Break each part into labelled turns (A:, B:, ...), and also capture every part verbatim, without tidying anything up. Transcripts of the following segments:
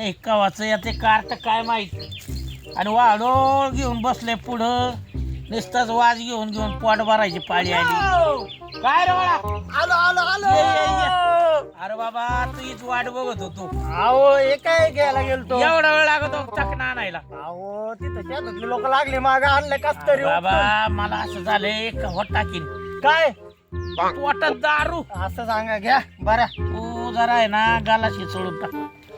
A: आले कवाचं याचे कार्ट काय माहित आणि वाढोळ घेऊन बसले पुढं नुसताच वाज घेऊन घेऊन पोट भरायची पाळी आली काय रे बाळा
B: आलो आलो आलो
A: ये, ये, ये. अरे बाबा तुझीच वाट बघत होतो
B: अहो हे काय घ्यायला गेलतो
A: एवढा वेळ लागतो चकना आणायला
B: अहो तिथं शेतातले लोक लागले माग आणले कस तरी
A: बाबा मला असं झालंय का होत टाकीन
B: काय
A: पोटात दारू
B: असं सांगा घ्या बरं
A: तू जरा आहे ना गालाशी सोडून टाक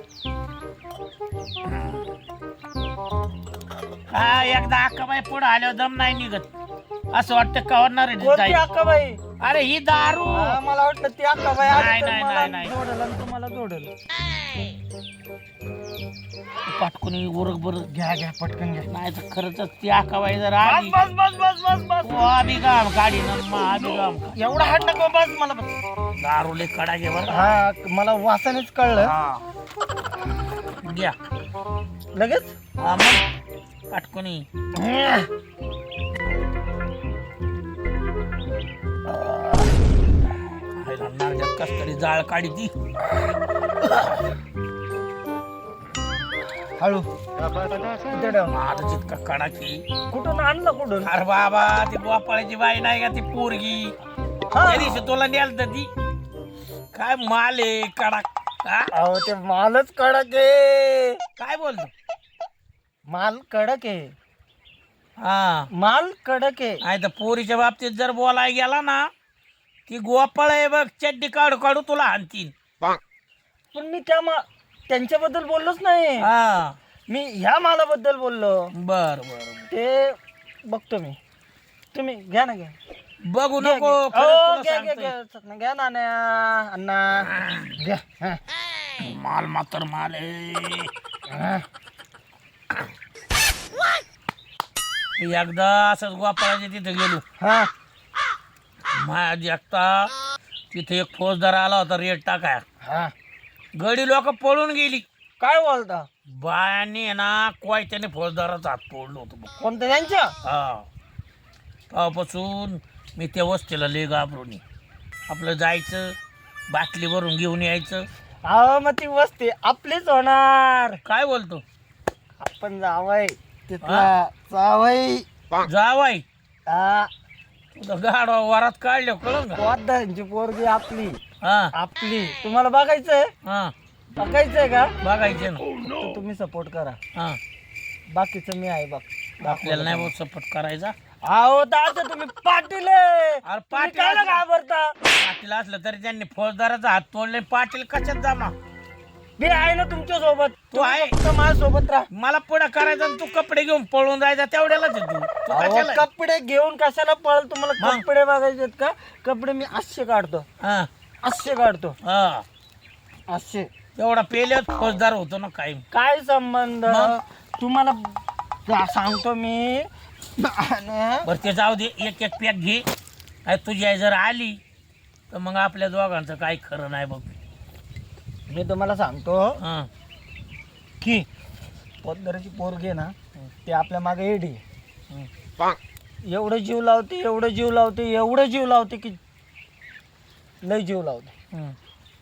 A: हा एकदा अक्काबाई पुढे आल्यावर दम नाही निघत असं वाटतं कवरणार
B: कोणती अक्का बाई
A: अरे ही दारू
B: हा, मला वाटलं ती अक्का बाई
A: नाही,
B: आली तर
A: नाही,
B: मला
A: नाही, नाही.
B: जोडल आणि तुम्हाला जोडल
A: पाटकुनी उरक बर
B: घ्या घ्या पटकन घ्या
A: नाही तर खरंच ती अक्काबाई जर आली
B: बस बस बस बस बस
A: तो अभिगाम गाडी अभिगाम
B: एवढा हात नको बस मला बस.
A: दारू लय कडा घे बर
B: हा मला वासानेच कळलं
A: घ्या
B: लगेच
A: हा मग पाटकुनी कस तरी जाळ काढी ती
B: हळू इथे ठेव.
A: माझं जितका कडा की
B: कुठून आणलं कुठून
A: अरे बाबा ती बोपाळ्याची बाई नाही का ती पोरगी
B: हा.
A: त्या दिवशी तुला नेल तर ती काय माल आहे कडक हा?
B: अहो ते मालच कडक आहे
A: काय बोलतो
B: माल कडक आहे
A: हा
B: माल कडक आहे
A: नाही तर पोरीच्या बाबतीत जर बोलाय गेला ना ती गोपाळ आहे बघ चड्डी काढू काढू तुला हाणतीन
B: पण मी त्या मा त्यांच्याबद्दल बोललोच नाही
A: हा
B: मी ह्या मालाबद्दल बोललो
A: बर बर
B: ते बघतो मी तुम्ही घ्या ना घ्या
A: बघू
B: घ्या,
A: नको
B: घ्या.
A: खरंच
B: अहो,
A: तुला
B: घ्या घ्या
A: सांगतोय.
B: घ्या घ्या ना ना, अण्णा घ्या हा,
A: माल मात्र माल आहे
B: हा.
A: एकदा असंच गोपाळाच्या तिथे गेलो
B: हा
A: माझ्या एकटा तिथे एक फौजदार आला होता रेट टाकाय
B: हा
A: गडी लोक पळून गेली
B: काय बोलता
A: बायाने ना कोयत्याने फौजदाराचा हात तोडलो होतो बघ.
B: कोणत्या त्यांच्या
A: हा तेव्हापासून मी त्या वस्तीला लय घाबरून आहे. आपलं जायचं बाटली भरून घेऊन यायचं
B: अहो मग ती वस्ती आपलीच होणार
A: काय बोलतो
B: आपण जावय तिथला जावय
A: जावाई
B: हा
A: तुझं गाडवा वरात काढल्या कळलं का
B: पोतदारांची पोरगी आपली
A: हा
B: आपली तुम्हाला बघायचंय
A: हा
B: बघायचंय का
A: बघायचे ना
B: तर तुम्ही सपोर्ट करा
A: हा
B: बाकीचं मी आहे बघ
A: आपल्याला नाही बहुत सपोर्ट करायचा
B: अहो दादा तुम्ही पाटील आहे.
A: अरे
B: तुम्ही
A: पाटील
B: कायला
A: असलं-
B: घाबरता
A: पाटील असलं तरी त्यांनी फौजदाराचा हात तोडले पाटील कशात जमा
B: मी आहे ना तुमच्या सोबत
A: तू आहे
B: माझ्या सोबत राहा
A: मला पुढे करायचं आणि तू कपडे घेऊन पळून जायचा तेवढ्यालाच आहे तू तू
B: अहो,
A: कशाला आहे?
B: कपडे घेऊन कशाला पळ तुम्हाला
A: मग?
B: कपडे बघायचे का कपडे मी असे काढतो
A: हा
B: असे काढतो
A: हा
B: असे
A: एवढा पेल्यात फौजदार होतो ना काही
B: काय संबंध
A: मग?
B: तुम्हाला जा- सांगतो मी आणि
A: बरं ते जाऊ दे एक एक पॅक घे काय तुझी आई जर आली तर मग आपल्या दोघांचं काही खरं नाही बघ
B: मी तुम्हाला सांगतो
A: हा
B: की पोतदाराची पोरगी आहे ना ते आपल्या मागे एडी आहे. एवढं जीव लावते एवढं जीव लावते एवढं जीव लावते की लय जीव लावते
A: हम्म.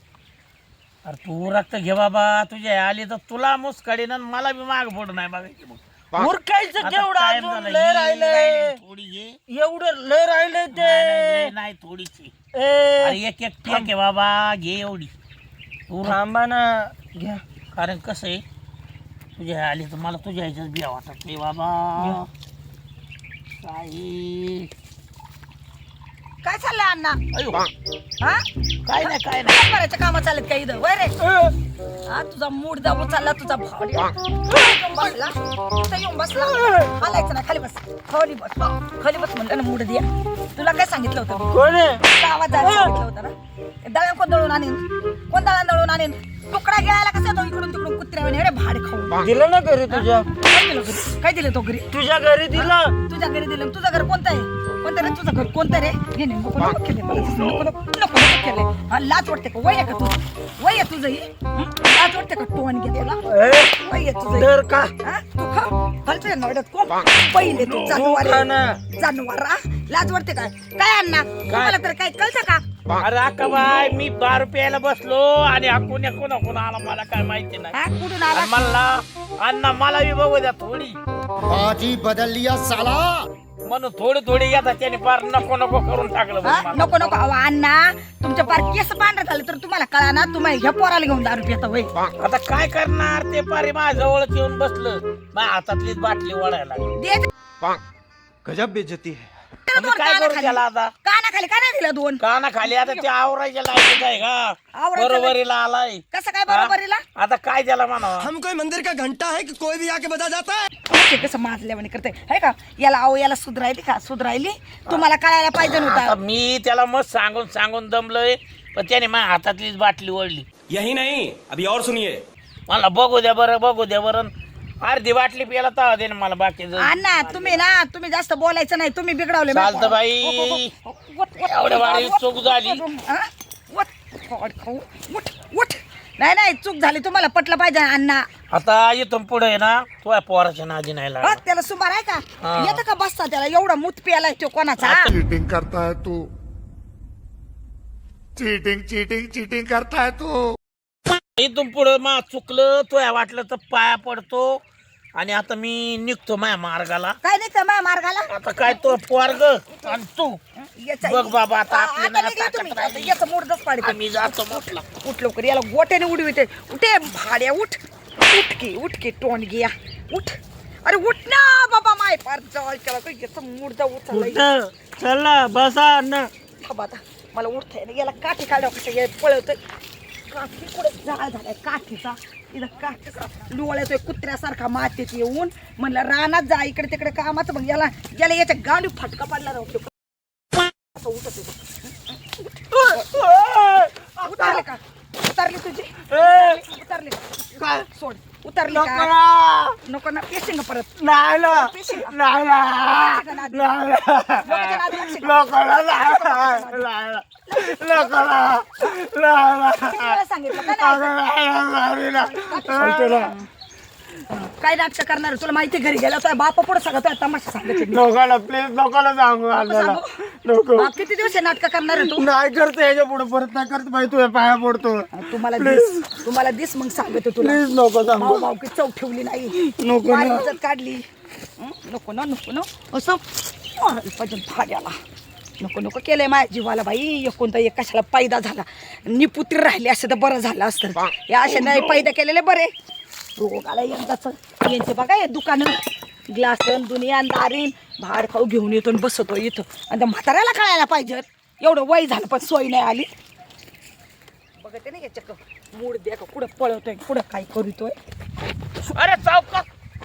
A: अरे तू रक्त घे बाबा तुझी आई आली तर तुला मुसकाडीन आणि मला बी माग फोड नाही बघायची बघ
B: उरकायचं
A: आता
B: केवढं
A: time
B: अजून
A: झाला.
B: लय
A: ही
B: राहिलंय
A: राहिली, थोडी घे
B: एवढं लय राहिलंय
A: नाही, नाही,
B: ते
A: नाही थोडीची
B: ए,
A: अरे एक एक पॅक आहे बाबा घे एवढी तू रक्त-
B: थांबा ना घ्या
A: कारण कसं आहे तुझी आई आली तर मला तुझ्या आईच्याच बिया वाटत नाही बाबा काही
C: काय चाललंय अण्णा
A: अयो
C: हा
A: काय नाही काय नाही
C: करायच्या कामं चालत काही इथं वय रे हा तुझा मूड जाऊ चालला तुझा भाव येऊन बसला इथं येऊन बसला हालायचं ना खाली बस खाली बस खाली बस म्हणलं ना मूड द्या तुला काय सांगितलं होतं मी?
B: कोण आहे
C: तुला आवाज जायला सांगितलं होतं ना दळण कोण दळून आणीन कोण दळण दळून आणीन तुकडा गिळायला कसं येतो इकडून तिकडून कुत्र्या अरे भाडे खाऊन
B: दिलं ना घरी तुझ्या
C: काय दिलं घरी काय दिलं तो घरी
B: तुझ्या घरी दिलं
C: तुझ्या घरी दिलं तुझं घर कोणतं आहे कोणतं रे तुझं घर कोणतं रे हे नाही नको नको केले मला तसं नको नको नको नको केले हा लाज वाटते का वय आहे का तुझं वय आहे तुझं ही हं? लाज वाटते का टोन घे तुला
B: ए,
C: वय आहे तुझं
B: दर का
C: हा? तू खा घालतोय नवड्यात कोण पहिले तू जानवर
B: खा ना.
C: जानवर लाज वाटते काय काय अण्णा तुम्हाला तर काय कळतं का
A: अरे अक्का बाय मी दारू प्यायला बसलो आणि हा कोण्या कोणा कोणा आला मला काय माहिती नाही
C: हा कुठून आला
A: आणि म्हणला अण्णा मला बी बघू द्या थोडी
D: बाजी बदल लिया साला
A: म्हणून थोडी थोडी येतात त्याने फार नको नको करून टाकलं बघ
C: हा?
A: मला.
C: नको नको अहो अण्णा तुमच्या पार केस पांढरं झालं तर तुम्हाला कळा ना तुम्ही ह्या पोराला घेऊन दारू पिता होय
A: आता काय करणार ते पारे माझ्या जवळच येऊन बसलं माझ्या हातातलीच बाटली ओढायला लागली.
C: दे
D: गजब बेइज्जती है
A: मी काय करू त्याला आता
C: काना खाली काय नाही दिलं दोन
A: काना खाली आता ते आवरायच्या लायकीच आहे का
C: आवरायच्या
A: बरोबरीला आलाय
C: कसं काय बरोबरीला
A: आता काय त्याला म्हणावं
D: हम कोई मंदिर का घंटा है कि कोई भी आके बजा जाता है
C: ते कसं माजल्यावानी करते है का याला अहो याला सुधरायली का सुधरायली तुम्हाला कळायला पाहिजे
A: आता
C: नव्हतं
A: मी त्याला मग सांगून सांगून दमलोय पण त्याने माझ्या हातातलीच बाटली ओढली
E: यही नहीं अभी और सुनिए
A: मला बघू द्या बरं बघू द्या बरं अर्धी बाटली प्यायला तवा दे ना मला बाकी
C: अण्णा तुम्ही ना तुम्ही जास्त बोलायचं नाही तुम्ही बिघडवले
A: चालतं बाई. एवढ्या वारी चूक झाली.
C: हा? उठ, खोड खाऊ. उठ, उठ. नाही नाही चूक झाली तुम्हाला पटलं पाहिजे अण्णा
A: आता इथून पुढे आहे ना तुझ्या पोराच्या नादी नाही
C: हा,
A: लागला
C: त्याला सुमार आहे का
A: हा.
C: येतं का बसता त्याला एवढा मूत प्यालाय तो कोणाचा
F: चीटिंग करता है तू चीटिंग चीटिंग चीटिंग करता है तू
A: इथून पुढे मा चुकलं तुया वाटलं तर पाया पडतो आणि आता मी निघतो माझ्या मार्गाला
C: काय नाही तर माझ्या मार्गाला
A: आता काय तो पोरग आणि तू
C: याचा-
A: बघ बाबा आता
C: हा,
A: आपली
C: आता
A: नाही
C: निघा तुम्ही.
A: ताकद
C: आता
A: राहिली.
C: याचं मूडच पाडते
A: आम्ही जातो म्हटलं
C: उठ लवकर याला गोट्याने उडविते उठे भाड्या उठ उठ की उठ की टोन घ्या उठ अरे उठ ना बाबा माय पार जवळ त्याला काही याचं मुडदा उचललाय
B: चला बसा अण्णा
C: थांबा आता मला उठता येईल याला काठी काढा कसं ये पळवतोय काठी कुठे जाळ झालाय काठीचा इथं काठीचा लोळ्यातोय कुत्र्यासारखा मातीत येऊन म्हणलं रानात जा इकडे तिकडे कामाचं मग याला याला याच्या गाडी फटका पडला राहतो असं उठत येतो. उतरले का उतरली तुझी उतरली का? सोड उतरली का नको ना पेशिंग परत
B: नाही ना
C: पेशिंग
B: नाही ना
C: लोकांच्या नादी लागशील का?
B: लोकांना नाही लोकांना
C: किती वेळा सांगितलं का नाही? काय नाटक करणार तुला माहिती घरी गेला तर बापा पुढे सगळं तुला तमाशा सांगितलं
B: लोकांना प्लीज लोकांना सांगू अण्णाला नको
C: बाप किती दिवस हे नाटक करणार आहे तू
B: नाही करते याच्या पुढे परत नाही करत बाई तुझ्या पाया पडतो
C: तुम्हाला दिस तुम्हाला दिस मग सांगतो तुला
B: प्लीज नको सांगू
C: भाऊ भाऊ की चव ठेवली नाही
B: नको
C: माझी
B: ना.
C: इज्जत काढली हं? नको ना नको ना असं मारायला पाहिजे भाड्याला नको नको केलंय माझ्या जीवाला बाई कोणता एक कशाला पैदा झाला निपुत्री राहिली असं तर बरं झालं असतं या अशा नाही पैदा केलेले बरे रोग आला यंदाच यांचे बघा हे दुकानं ग्लासन दुनिया दारीन भाड खाऊ घेऊन येतो आणि बसतो इथं आणि त्या म्हाताऱ्याला कळायला पाहिजे एवढं वय झालं पण सोय नाही आली बघते ना याच्या मूड द्या का कुठं पळवतोय कुठं काय करीतोय
A: अरे चौकात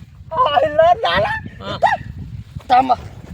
C: थांबा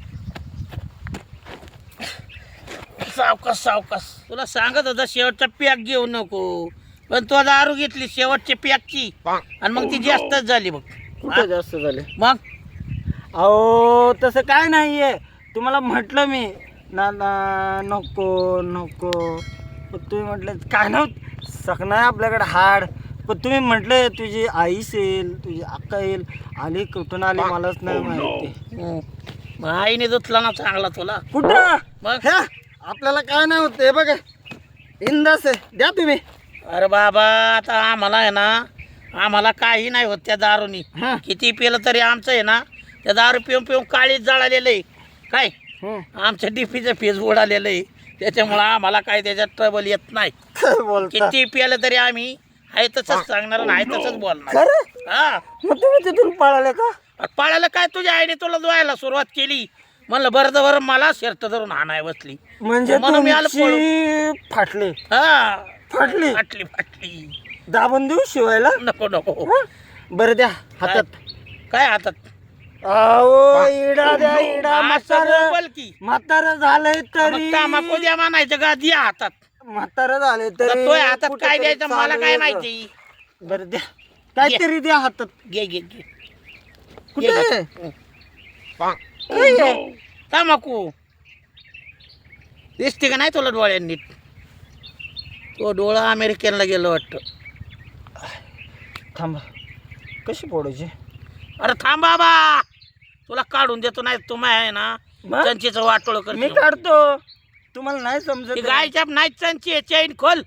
A: सावकाश सावकाश तुला सांगत होता शेवटचा पॅक घेऊ नको पण तो दारू घेतली शेवटची पॅकची आणि मग ती जास्तच झाली बघ
B: कुठं जास्त झाले
A: मग
B: अहो तसं काय नाहीये तुम्हाला म्हटलं मी ना ना नको नको पण तुम्ही म्हटलं काय नव्हतं सकणं आहे आपल्याकडे हाड पण तुम्ही म्हटलं तुझी आईस येईल तुझी अक्का येईल आली कुठून आली मलाच नाही माहिती
A: हं. मग आईने धुतला ना चांगला तुला
B: कुठं
A: मग
B: ह्या आपल्याला काय नाही होत हे बघा इंदास आहे द्या तुम्ही
A: अरे बाबा आता आम्हाला आहे ना आम्हाला काही नाही होत त्या दारूनी
B: हं.
A: किती पिलं तरी आमचं आहे ना त्या दारू पिऊन पिऊन काळीच जळालेलं आहे काय
B: हं.
A: आमच्या डीपीचं फीज उडालेलं आहे त्याच्यामुळं आम्हाला काय त्याच्यात ट्रबल येत नाही
B: काय बोलता
A: किती पिलं तरी आम्ही आहे तसंच सांगणार आणि आहे तसंच बोलणार
B: खरं
A: हा
B: मग तुम्ही तिथून पळाले का
A: अरे पाळायला काय तुझ्या आईने तुला धुवायला सुरुवात केली म्हणलं बरं तर बरं मला शर्ट धरून हाणाय बसली
B: म्हणजे
A: म्हणून मी आलो पळून.
B: तुमची फाटली
A: हा
B: फाटली
A: फाटली फाटली
B: दाबून देऊ शिवायला
A: नको नको
B: हं? बरं द्या हातात
A: काय हातात
B: अहो इडा द्या इडा
A: असं
B: म्हातारं
A: बोल की
B: म्हातारं झालंय तरी
A: मग तांबाखू द्या म्हणायचं का द्या हातात
B: म्हातारं झालंय
A: तर
B: तरी
A: तोय हातात
B: कुठं
A: काय
B: तरी
A: द्यायचं मला
B: चालू
A: काय
B: आहे
A: माहिती
B: गं. बरं द्या काहीतरी द्या हातात
A: घे घे घे
B: कुठे
A: घे,
B: आहे?
A: घे.
B: काय आहे?
A: तांबाखू दिसते का नाही तुला डोळ्यांनी तो डोळा अमेरिकेला गेलो वाटतं
B: थांबा कशी फोडायची
A: अरे थांब बाबा, तुला काढून देतो. नाही तुम्ही आहे ना
B: मग?
A: चंचीचं वाटोळ
B: मी
A: कर.
B: काढतो, तुम्हाला नाही समजत
A: ती
B: आहे.
A: गायच्या नाही चंची चैन खोल.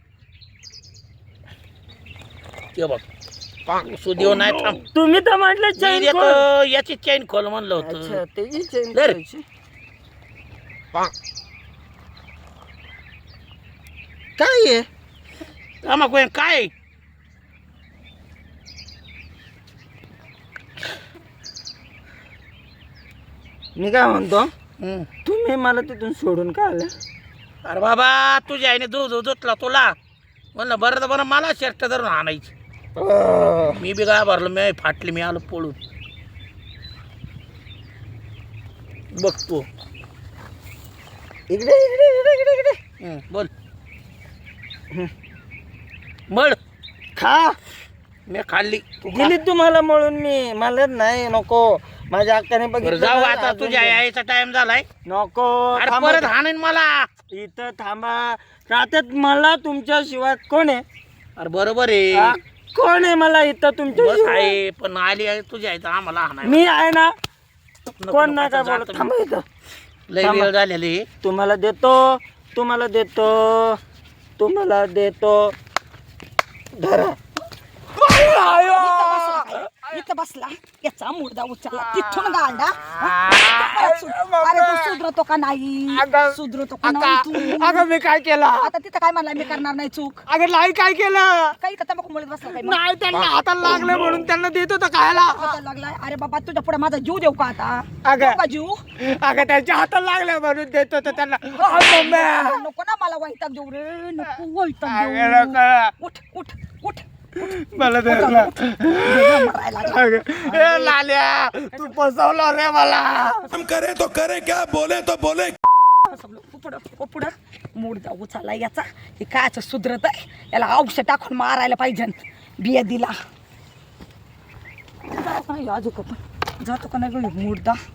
A: ते बघ सुदेव नाही थांब.
B: तुम्ही तर म्हटलं
A: मी
B: चैन
A: देतो,
B: खोल.
A: याची चैन खोल म्हणलं
B: अच्छा,
A: होतं.
B: त्याची चैन
A: धर.
B: खोलायची. काय आहे?
A: आम्हा कोण काय
B: मी काय म्हणतो,
A: हम्म.
B: तुम्ही मला तिथून सोडून का आले?
A: अरे बाबा तुझ्या आईने दूध धुतला तुला म्हणलं बरं तर बरं मला शर्ट धरून आणायची. मी बी काय भरलो, मी फाटली, मी आलो पळून. बघतो
B: इकडे इकडे इकडे इकडे इकडे
A: हम्म, बोल. मळ
B: खा.
A: मी खाल्ली. तू खा.
B: दिली तुम्हाला म्हणून मी, मला नाही नको. माझ्या अक्काने
A: बरं,
B: बघितलं
A: जाऊ
B: ना,
A: आता,
B: अजून
A: तुझ्या यायचा टाइम झालाय.
B: नको.
A: अरे
B: थांबा.
A: परत हाणेन मला.
B: इथं थांबा. राहतात मला तुमच्या शिवाय कोण आहे?
A: अरे बरोबर आहे.
B: हा? कोण आहे मला इथं तुमच्या
A: बस
B: शिवाय?
A: आहे पण आली आहे तुझ्या आहे तर आम्हाला हाणाय.
B: मी आहे ना.
A: नको,
B: कोण
A: नको,
B: नाही काय
A: आता
B: बोलत.
A: जातो मी.
B: थांबा इथं.
A: लय
B: थांबा.
A: वेळ झालेली.
B: तुम्हाला देतो, तुम्हाला देतो, तुम्हाला देतो. धरा.
C: इथं बसला याचा मुर्दा उचलला तिथून गांडा. अरे तू सुधरतो का नाही? सुधरतो का नाही तू?
B: अगं मी काय केलं?
C: आता तिथं काय म्हणला, मी करणार नाही चूक.
B: अगं नाही काय केलं?
C: काही तर तंबाखू मुळीत बसला काय मग?
B: नाही, त्यांना हाताला लागलं म्हणून त्यांना देत होतं खायला.
C: हाताला लागलाय. अरे बाबा तुझ्या पुढे माझा जीव देऊ का आता?
B: अगं.
C: देऊ का जीव?
B: अगं त्यांच्या हाताला लागलं म्हणून देत होतं त्यांना. आ, मम्मी.
C: नको ना मला वैताग देऊ रे. नको वैताग
B: अगं,
C: देऊ.
B: नको.
C: उठ उठ उठ.
B: मला धरला.
C: मरायला लागला.
B: अगं, ए लाल्या, तू फसवलं रे मला.
F: हम करे तो करे क्या, बोले तो बोले.
C: फसवलं. पुढं ओ पुढं मुर्दा उचलला याचा. हे कायचं सुधरत आहे, याला औषध टाकून मारायला पाहिजे. बिया दिला. जातो का नाही अजून पण? जातो का नाही गं मुर्दा?